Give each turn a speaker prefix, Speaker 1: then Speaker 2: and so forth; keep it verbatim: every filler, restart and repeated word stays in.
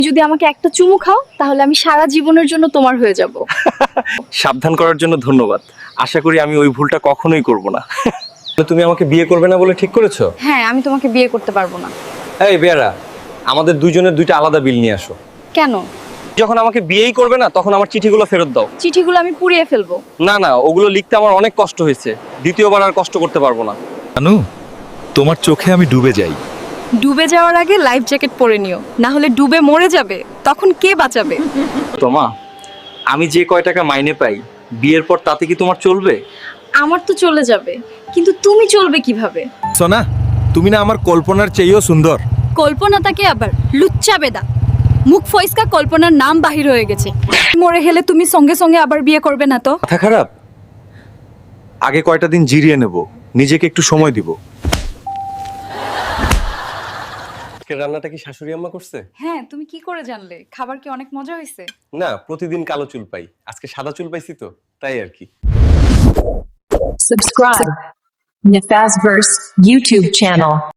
Speaker 1: যদি আমাকে একটা চুমু খাও তাহলে আমি সারা জীবনের জন্য তোমার হয়ে যাব।
Speaker 2: সাবধান করার জন্য ধন্যবাদ। আশা করি আমি ওই ভুলটা কখনোই করব না। তুমি আমাকে বিয়ে করবে না বলে ঠিক করেছো?
Speaker 1: হ্যাঁ, আমি তোমাকে বিয়ে করতে পারবো না।
Speaker 2: এই বেয়ারা, আমাদের দুইজনের দুইটা আলাদা বিল নিয়ে আসো।
Speaker 1: কেন?
Speaker 2: যখন আমাকে বিয়েই করবে না তখন আমার চিঠিগুলো ফেরত দাও।
Speaker 1: চিঠিগুলো আমি পুড়িয়ে ফেলবো।
Speaker 2: না না, ওগুলো লিখতে আমার অনেক কষ্ট হয়েছে, দ্বিতীয়বার আর কষ্ট করতে পারবো না।
Speaker 3: জানু, তোমার চোখে আমি ডুবে যাই।
Speaker 1: ডুবে যাওয়ার আগে লাইফ জ্যাকেট পরে নিও, না হলে ডুবে মরে যাবে, তখন কে বাঁচাবে?
Speaker 2: তোমা, আমি যে কয় টাকা মাইনে পাই বিয়ের পর তাতে কি তোমার চলবে?
Speaker 1: আমার তো চলে যাবে, কিন্তু তুমি চলবে কিভাবে?
Speaker 3: সোনা, তুমি না আমার কল্পনার চেয়েও সুন্দর।
Speaker 1: কল্পনাটাকে আবার লুচ্চা বেদা, মুখ ফয়সকা কল্পনার নাম বাহির হয়ে গেছে। মরে গেলে তুমি সঙ্গে সঙ্গে আবার বিয়ে করবে না তো?
Speaker 2: মাথা খারাপ? আগে কয়টা দিন জিরিয়ে নেব, নিজেকে একটু সময় দিব। রান্নাটা কি শাশুড়ি আম্মা করছে?
Speaker 1: হ্যাঁ, তুমি কি করে জানলে? খাবার কি অনেক মজা হয়েছে?
Speaker 2: না, প্রতিদিন কালো চুল পাই, আজকে সাদা চুল পাইছি তো তাই আর কি।
Speaker 4: Subscribe Nefazverse YouTube channel.